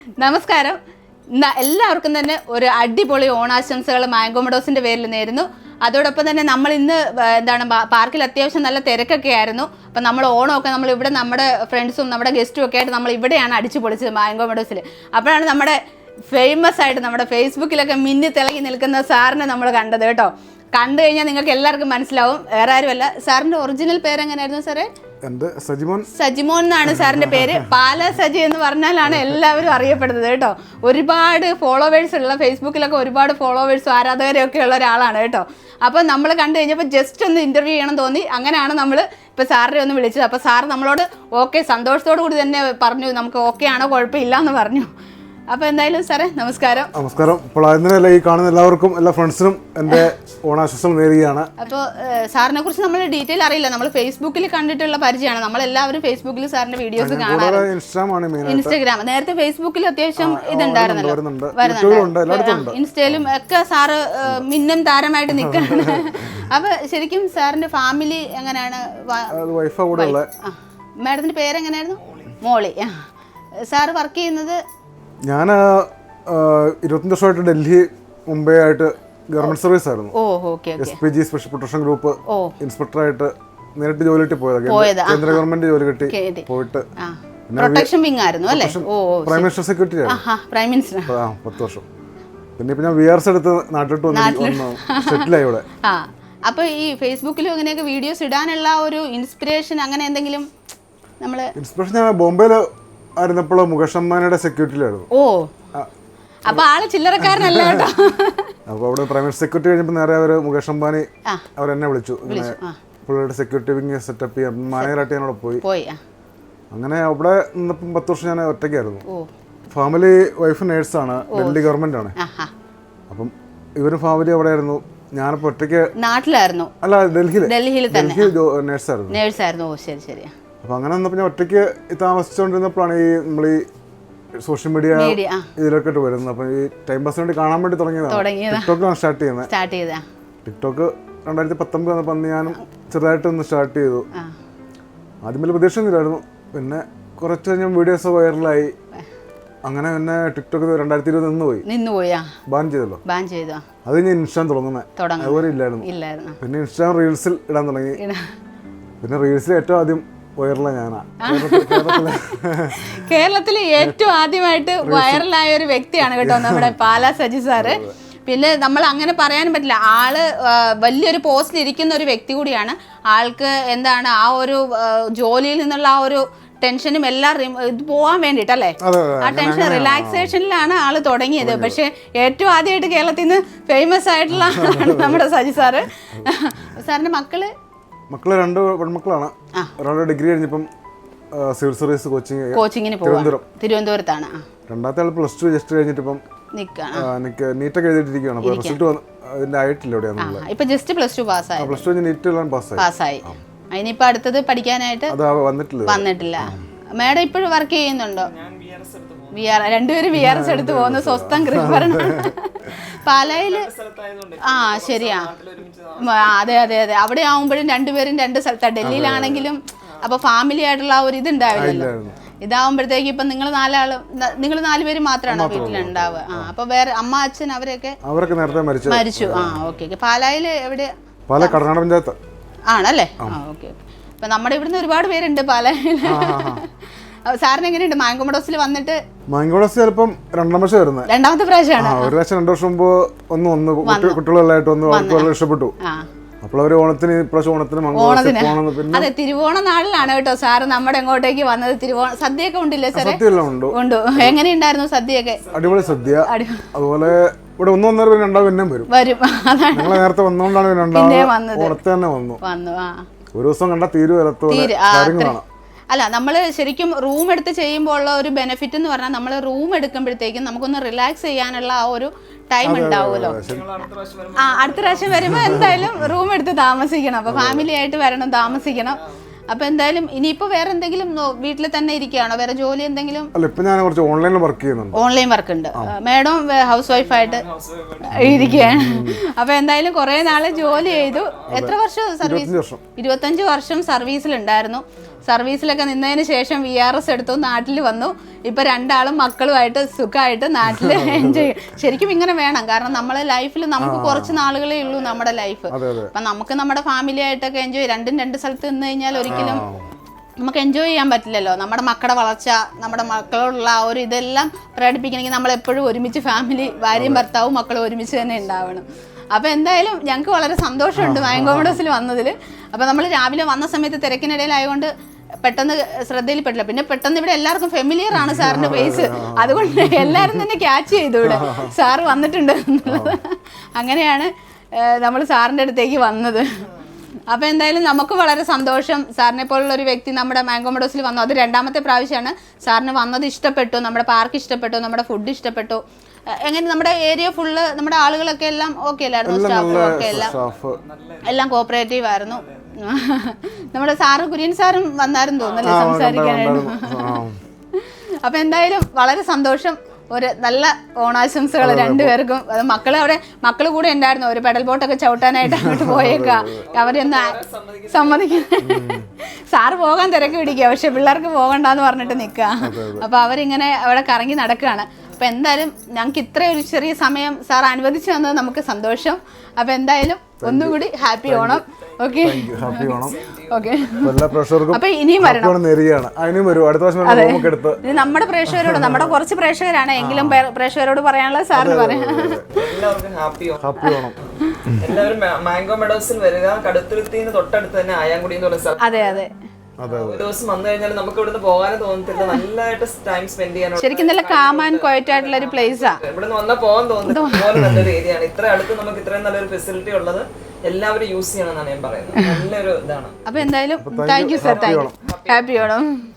നമസ്കാരം. എല്ലാവർക്കും തന്നെ ഒരു അടിപൊളി ഓണാശംസകൾ മാംഗോ മെഡോസിന്റെ പേരിൽ നേരുന്നു. അതോടൊപ്പം തന്നെ നമ്മൾ ഇന്ന് പാർക്കിൽ അത്യാവശ്യം നല്ല തിരക്കൊക്കെ ആയിരുന്നു. അപ്പം നമ്മൾ ഓണമൊക്കെ നമ്മൾ ഇവിടെ നമ്മുടെ ഫ്രണ്ട്സും നമ്മുടെ ഗസ്റ്റും ഒക്കെ ആയിട്ട് നമ്മൾ ഇവിടെയാണ് അടിച്ചു പൊളിച്ചത് മാംഗോ മെഡോസിൽ. അപ്പോഴാണ് നമ്മുടെ ഫേമസ് ആയിട്ട് നമ്മുടെ ഫേസ്ബുക്കിലൊക്കെ മിന്നി തിളങ്ങി നിൽക്കുന്ന സാറിനെ നമ്മൾ കണ്ടത് കേട്ടോ. കണ്ടു കഴിഞ്ഞാൽ നിങ്ങൾക്ക് എല്ലാവർക്കും മനസ്സിലാവും, വേറെ ആരുമല്ല. സാറിന്റെ ഒറിജിനൽ പേര് എങ്ങനെയായിരുന്നു സാറേ? സജിമോൻ എന്നാണ് സാറിന്റെ പേര്. പാല സജി എന്ന് പറഞ്ഞാലാണ് എല്ലാവരും അറിയപ്പെടുന്നത് കേട്ടോ. ഒരുപാട് ഫോളോവേഴ്സ് ഉള്ള, ഫേസ്ബുക്കിലൊക്കെ ഒരുപാട് ഫോളോവേഴ്സും ആരാധകരും ഒക്കെ ഉള്ള ഒരാളാണ് കേട്ടോ. അപ്പോൾ നമ്മൾ കണ്ടു കഴിഞ്ഞപ്പോൾ ജസ്റ്റ് ഒന്ന് ഇന്റർവ്യൂ ചെയ്യണം തോന്നി. അങ്ങനെയാണ് നമ്മൾ ഇപ്പോൾ സാറിനെ ഒന്ന് വിളിച്ചത്. അപ്പോൾ സാർ നമ്മളോട് ഓക്കെ സന്തോഷത്തോടു കൂടി തന്നെ പറഞ്ഞു, നമുക്ക് ഓക്കെ ആണോ കുഴപ്പമില്ല എന്ന് പറഞ്ഞു. അപ്പോൾ എന്തായാലും സാറേ നമസ്കാരം. നമസ്കാരം. ഇപ്പോൾ അതിനല്ല ഈ കാണുന്ന എല്ലാവർക്കും, എല്ലാ ഫ്രണ്ട്സിനും എൻ്റെ ഓണാശംസകൾ നേരുകയാണ്. അപ്പോൾ സാറിനെ കുറിച്ച് നമ്മൾ ഡീറ്റെയിൽ അറിയില്ല, നമ്മൾ ഫേസ്ബുക്കിൽ കണ്ടിട്ടുള്ള പരിചയമാണ്. നമ്മളെല്ലാവരും ഫേസ്ബുക്കിൽ സാറിന്റെ വീഡിയോസ് കാണാറുണ്ട്. ഇൻസ്റ്റാഗ്രാം, നേരത്തെ ഫേസ്ബുക്കിൽ അത്യാവശ്യം ഇതുണ്ടായിരുന്നല്ലോ, വരുന്നുണ്ട്. ഇൻസ്റ്റയിലും ഒക്കെ സാറ് മിന്നും താരമായിട്ട് നിൽക്കുകയാണ്. അപ്പൊ ശരിക്കും സാറിന്റെ ഫാമിലി എങ്ങനെയാണ്? മാഡത്തിന്റെ പേരെങ്ങനെയായിരുന്നു? മോളി. സാറ് വർക്ക് ചെയ്യുന്നത്? ഞാൻ 25 വർഷമായിട്ട് ഡൽഹി മുംബൈ ആയിട്ട് ഗവൺമെന്റ് സർവീസ് ആയിരുന്നു. SPG സ്പെഷ്യൽ പ്രൊട്ടക്ഷൻ ഗ്രൂപ്പ് ഇൻസ്പെക്ടറായിട്ട് നേരിട്ട് ജോലി കിട്ടി പോയത്. കേന്ദ്ര ഗവൺമെന്റ് ജോലി കിട്ടി പോയിട്ട് പ്രൊട്ടക്ഷൻ വിങ് ആയിരുന്നു അല്ലേ? പ്രൈം മിനിസ്റ്റർ സെക്രട്ടറി ആയിരുന്നു 10 വർഷം. പിന്നെ ഇപ്പൊ ഞാൻ VRS എടുത്ത് നാട്ടിലോട്ട് വന്നു സെറ്റിലായി ഇവിടെ. അപ്പൊ ഈ ഫേസ്ബുക്കിലും ഇങ്ങനെയൊക്കെ വീഡിയോസ് ഇടാനുള്ള ഒരു ഇൻസ്പിറേഷൻ അങ്ങനെ എന്തെങ്കിലും? നമ്മള് ഇൻസ്പിറേഷൻ ഞാൻ ബോംബെയില് ആയിരുന്നപ്പോൾ മുകേഷ് അംബാനിയുടെ സെക്യൂരിറ്റിയിലായിരുന്നു. അപ്പൊ ആള് ചില്ലറക്കാരനല്ല കേട്ടോ. അപ്പൊ അവിടെ പ്രൈവറ്റ് സെക്യൂരിറ്റി കഴിഞ്ഞപ്പോൾ നേരെ അവര് മുകേഷ് അംബാനി അവരെന്നെ വിളിച്ചു, പുള്ളിയുടെ സെക്യൂരിറ്റി വിങ് സെറ്റപ്പ് ചെയ്യാൻ മാനേജറായിട്ട് ഞാൻ അവിടെ പോയി. അങ്ങനെ അവിടെ നിന്നപ്പം 10 വർഷം ഞാൻ ഒറ്റയ്ക്കായിരുന്നു. ഫാമിലി വൈഫ് നേഴ്സാണ്, ഡൽഹി ഗവൺമെന്റ് ആണ്. അപ്പം ഇവരും ഫാമിലി അവിടെ ആയിരുന്നു. ഞാനിപ്പോ ഒറ്റയ്ക്ക് നാട്ടിലായിരുന്നു. അല്ല, ഡൽഹി നേഴ്സായിരുന്നു. ശരി ശരി. അപ്പൊ അങ്ങനെ വന്നപ്പോൾ ഞാൻ ഒറ്റയ്ക്ക് താമസിച്ചുകൊണ്ടിരുന്നപ്പോഴാണ് ഈ നമ്മൾ ഈ സോഷ്യൽ മീഡിയ ഇതിലൊക്കെ വരുന്നത്. അപ്പൊ ഈ ടൈം പാസിന് വേണ്ടി കാണാൻ വേണ്ടി തുടങ്ങിയതാണ്. ടിക്ടോക്കിലാണ് സ്റ്റാർട്ട് ചെയ്യുന്നത്. ടിക്ടോക്ക് 2019 വന്നപ്പോൾ അന്ന് ഞാനും ചെറുതായിട്ടൊന്ന് സ്റ്റാർട്ട് ചെയ്തു. ആദ്യം വലിയ പ്രതീക്ഷയൊന്നുമില്ലായിരുന്നു. പിന്നെ കുറച്ച് കഴിഞ്ഞ വീഡിയോസ് വൈറലായി. അങ്ങനെ പിന്നെ ടിക്ടോക്ക് 2020 നിന്നുപോയി. ബാൻ ചെയ്തല്ലോ. അത് ഞാൻ ഇൻസ്റ്റാഗ്രാം തുടങ്ങുന്നത് അതുപോലെ ഇല്ലായിരുന്നു. പിന്നെ ഇൻസ്റ്റാഗ്രാം റീൽസിൽ ഇടാൻ തുടങ്ങി. പിന്നെ റീൽസിൽ ഏറ്റവും ആദ്യം വൈറലായ ഞാനാ. കേരളത്തിലെ ഏറ്റവും ആദ്യമായിട്ട് വൈറലായ ഒരു വ്യക്തിയാണ് കേട്ടോ നമ്മുടെ പാല സജി സാറ്. പിന്നെ നമ്മൾ അങ്ങനെ പറയാനും പറ്റില്ല, ആള് വലിയൊരു പോസ്റ്റിൽ ഇരിക്കുന്ന ഒരു വ്യക്തി കൂടിയാണ്. ആൾക്ക് എന്താണ് ആ ഒരു ജോലിയിൽ നിന്നുള്ള ആ ഒരു ടെൻഷനും എല്ലാം ഇത് പോകാൻ വേണ്ടിട്ടല്ലേ, ആ ടെൻഷൻ റിലാക്സേഷനിലാണ് ആള് തുടങ്ങിയത്. പക്ഷെ ഏറ്റവും ആദ്യമായിട്ട് കേരളത്തിൽ നിന്ന് ഫേമസ് ആയിട്ടുള്ള നമ്മുടെ സജി സാറ്. സാറിന്റെ മക്കള് 2 പെൺമക്കളാണ്. ഒരാളുടെ ഡിഗ്രി കഴിഞ്ഞപ്പം സിവിൽ സർവീസ് കോച്ചിങ്ങിന് തിരുവനന്തപുരത്താണ്. രണ്ടാമത്തെ ആൾ +2 ജസ്റ്റ് കഴിഞ്ഞിട്ട് ഇപ്പം നീറ്റൊക്കെ എഴുതിയിട്ടിരിക്കുകയാണ്. റിസൾട്ട് അതിന്റെ ആയിട്ടില്ല. ഇപ്പൊ ജസ്റ്റ് +2 പാസ്സായി. +2 നീറ്റ് പാസ്സായി. അതിനിപ്പോ അടുത്തത് പഠിക്കാനായിട്ട് വന്നിട്ടില്ല. മാഡം ഇപ്പോഴും വർക്ക് ചെയ്യുന്നുണ്ടോ? രണ്ടുപേരും VRS എടുത്ത് പോകുന്ന സ്വസ്ഥം കൃപരണമാണ് പാലയില്. ശരിയാ. അതെ. അവിടെ ആവുമ്പോഴും രണ്ടുപേരും 2 സ്ഥലത്താണ്. ഡൽഹിയിലാണെങ്കിലും അപ്പൊ ഫാമിലി ആയിട്ടുള്ള ആ ഒരു ഇതുണ്ടാവില്ലല്ലോ. ഇതാവുമ്പോഴത്തേക്ക് ഇപ്പൊ നിങ്ങൾ 4 പേര് മാത്രമാണോ വീട്ടിലുണ്ടാവുക? അപ്പൊ വേറെ അമ്മ അച്ഛൻ അവരൊക്കെ നേരത്തെ മരിച്ചു. ഓക്കെ. പാലായില് എവിടെ? കർണാടക പഞ്ചായത്ത് ആണല്ലേ? ഓക്കെ. ഇപ്പൊ നമ്മുടെ ഇവിടുന്ന് ഒരുപാട് പേരുണ്ട് പാലായില്. സാറിന് എങ്ങനെയുണ്ട് മാംഗോ മെഡോസിൽ വന്നിട്ട്? മാംഗോ മെഡോസ് ചിലപ്പം രണ്ടാമത്തെ പ്രാവശ്യമാണ്. ഒരു പ്രാവശ്യം 2 വർഷം മുമ്പ് കുട്ടികളെല്ലായിട്ട് അവർക്ക് ഇഷ്ടപ്പെട്ടു. അപ്പോൾ അവര് ഓണത്തിന് അതെ, തിരുവോണ നാളിലാണ് കേട്ടോ സാറ് നമ്മുടെ ഇങ്ങോട്ടേക്ക് വന്നത്. സദ്യയൊക്കെ ഉണ്ടില്ലേ സാറേ? ഉണ്ട്. എങ്ങനെയുണ്ടായിരുന്നു സദ്യയൊക്കെ? അടിപൊളി സദ്യ. അതുപോലെ ഇവിടെ 1-1.5 പേര് വരും. ഞങ്ങൾ നേരത്തെ വന്നുകൊണ്ടാണ് ഓണത്തെ തന്നെ വന്നു. ഒരു ദിവസം കണ്ടാൽ കാര്യങ്ങളാണ്. അല്ല, നമ്മൾ ശരിക്കും റൂം എടുത്ത് ചെയ്യുമ്പോൾ ഉള്ള ഒരു ബെനിഫിറ്റ് എന്ന് പറഞ്ഞാൽ നമ്മൾ റൂം എടുക്കുമ്പോഴത്തേക്കും നമുക്കൊന്ന് റിലാക്സ് ചെയ്യാനുള്ള ആ ഒരു ടൈം ഉണ്ടാവുമല്ലോ. അടുത്ത പ്രാവശ്യം വരുമ്പോൾ എന്തായാലും റൂം എടുത്ത് താമസിക്കണം. അപ്പൊ ഫാമിലി ആയിട്ട് വരണം, താമസിക്കണം. അപ്പൊ എന്തായാലും ഇനിയിപ്പോ വേറെ എന്തെങ്കിലും വീട്ടിൽ തന്നെ ഇരിക്കുകയാണോ? വേറെ ജോലി എന്തെങ്കിലും? ഓൺലൈൻ വർക്ക് ഉണ്ട്. മാഡം ഹൗസ് വൈഫായിട്ട് ഇരിക്കുകയാണ്. അപ്പൊ എന്തായാലും കുറെ നാള് ജോലി ചെയ്തു. എത്ര വർഷം സർവീസ്? 25 വർഷം സർവീസിലുണ്ടായിരുന്നു. സർവീസിലൊക്കെ നിന്നതിന് ശേഷം VRS എടുത്തു, നാട്ടിൽ വന്നു. ഇപ്പൊ രണ്ടാളും മക്കളുമായിട്ട് സുഖമായിട്ട് നാട്ടിൽ എൻജോയ്. ശരിക്കും ഇങ്ങനെ വേണം, കാരണം നമ്മളെ ലൈഫിൽ നമുക്ക് കുറച്ച് നാളുകളേ ഉള്ളൂ നമ്മുടെ ലൈഫ്. അപ്പൊ നമുക്ക് നമ്മുടെ ഫാമിലി ആയിട്ടൊക്കെ എൻജോയ്, രണ്ട് സ്ഥലത്ത് നിന്ന് കഴിഞ്ഞാൽ ഒരിക്കലും നമുക്ക് എൻജോയ് ചെയ്യാൻ പറ്റില്ലല്ലോ. നമ്മുടെ മക്കളുടെ വളർച്ച, നമ്മുടെ മക്കളോടുള്ള ആ ഒരു ഇതെല്ലാം പ്രകടിപ്പിക്കണമെങ്കിൽ നമ്മൾ എപ്പോഴും ഒരുമിച്ച് ഫാമിലി, ഭാര്യയും ഭർത്താവും മക്കളും ഒരുമിച്ച് തന്നെ ഉണ്ടാവണം. അപ്പോൾ എന്തായാലും ഞങ്ങൾക്ക് വളരെ സന്തോഷമുണ്ട് മാംഗോ മെഡോസിൽ വന്നതിൽ. അപ്പോൾ നമ്മൾ രാവിലെ വന്ന സമയത്ത് തിരക്കിനിടയിലായതുകൊണ്ട് പെട്ടെന്ന് ശ്രദ്ധയിൽപ്പെട്ടില്ല. പിന്നെ പെട്ടെന്ന് ഇവിടെ എല്ലാവർക്കും ഫെമിലിയർ ആണ് സാറിൻ്റെ ഫേസ്, അതുകൊണ്ട് എല്ലാവരും തന്നെ ക്യാച്ച് ചെയ്തു ഇവിടെ സാറ് വന്നിട്ടുണ്ട് എന്നുള്ളത്. അങ്ങനെയാണ് നമ്മൾ സാറിൻ്റെ അടുത്തേക്ക് വന്നത്. അപ്പോൾ എന്തായാലും നമുക്ക് വളരെ സന്തോഷം. സാറിനെ പോലുള്ള ഒരു വ്യക്തി നമ്മുടെ മാംഗോ മെഡോസിൽ വന്നു. അത് രണ്ടാമത്തെ പ്രാവശ്യമാണ്. സാറിന് വന്നത് ഇഷ്ടപ്പെട്ടു, നമ്മുടെ പാർക്ക് ഇഷ്ടപ്പെട്ടു, നമ്മുടെ ഫുഡ് ഇഷ്ടപ്പെട്ടു. എങ്ങനെ നമ്മുടെ ഏരിയ ഫുള്ള് നമ്മുടെ ആളുകളൊക്കെ എല്ലാം ഓക്കെ അല്ലായിരുന്നു, സ്റ്റാഫും ഒക്കെ എല്ലാം കോപ്പറേറ്റീവ് ആയിരുന്നു. നമ്മുടെ സാറ് കുര്യൻ സാറും വന്നായിരുന്നു തോന്നുന്നല്ലേ സംസാരിക്കാനായിട്ട്. അപ്പോൾ എന്തായാലും വളരെ സന്തോഷം. ഒരു നല്ല ഓണാശംസകൾ രണ്ടുപേർക്കും. അത് മക്കൾ കൂടെ ഉണ്ടായിരുന്നു. ഒരു പെഡൽ ബോട്ടൊക്കെ ചവിട്ടാനായിട്ട് അങ്ങോട്ട് പോയേക്കാം. അവരൊന്ന് സമ്മതിക്കുന്നു. സാറ് പോകാൻ തിരക്ക് പിടിക്കുക, പക്ഷെ പിള്ളേർക്ക് പോകണ്ടെന്ന് പറഞ്ഞിട്ട് നിൽക്കുക. അപ്പോൾ അവരിങ്ങനെ അവിടെ കറങ്ങി നടക്കുകയാണ്. അപ്പോൾ എന്തായാലും ഞങ്ങൾക്ക് ഇത്രയും ഒരു ചെറിയ സമയം സാർ അനുവദിച്ചു തന്നത് നമുക്ക് സന്തോഷം. അപ്പോൾ എന്തായാലും ഒന്നുകൂടി ഹാപ്പി ഓണം. Okay, okay. അപ്പൊ ഇനിയും വരണം. നമ്മുടെ പ്രേക്ഷകരോട്, നമ്മുടെ കുറച്ച് പ്രേക്ഷകരാണ് എങ്കിലും പ്രേക്ഷകരോട് പറയാനുള്ള സാറിന് പറയാം. എല്ലാവരും മാംഗോ മെഡോസിൽ വരിക. കടുത്തുരുത്തിന്ന് തൊട്ടടുത്ത് തന്നെ ആയാങ്കുടി എന്ന് പറയുന്ന സ്ഥലം. അതെ അതെ. ഒരു ദിവസം വന്നു കഴിഞ്ഞാൽ നമുക്ക് ഇവിടുന്ന് പോകാനും തോന്നത്തില്ല, നല്ലതായിട്ട് ടൈം സ്പെൻഡ് ചെയ്യാൻ. ശരിക്കും നല്ല കാം ആൻഡ് ക്വയറ്റ് ആയിട്ടുള്ള ഒരു പ്ലേസാ. ഇവിടുന്ന് വന്നാൽ പോകാൻ തോന്നുന്നു. അതുപോലെ നല്ലൊരു ഏരിയ ആണ്. ഇത്ര അടുത്ത് നമുക്ക് ഇത്രയും നല്ലൊരു ഫെസിലിറ്റി ഉള്ളത് എല്ലാവരും യൂസ് ചെയ്യണമെന്നാണ് ഞാൻ പറയുന്നത്. നല്ലൊരു ഇതാണ്. അപ്പൊ എന്തായാലും thank you sir, thank you. Happy Onam.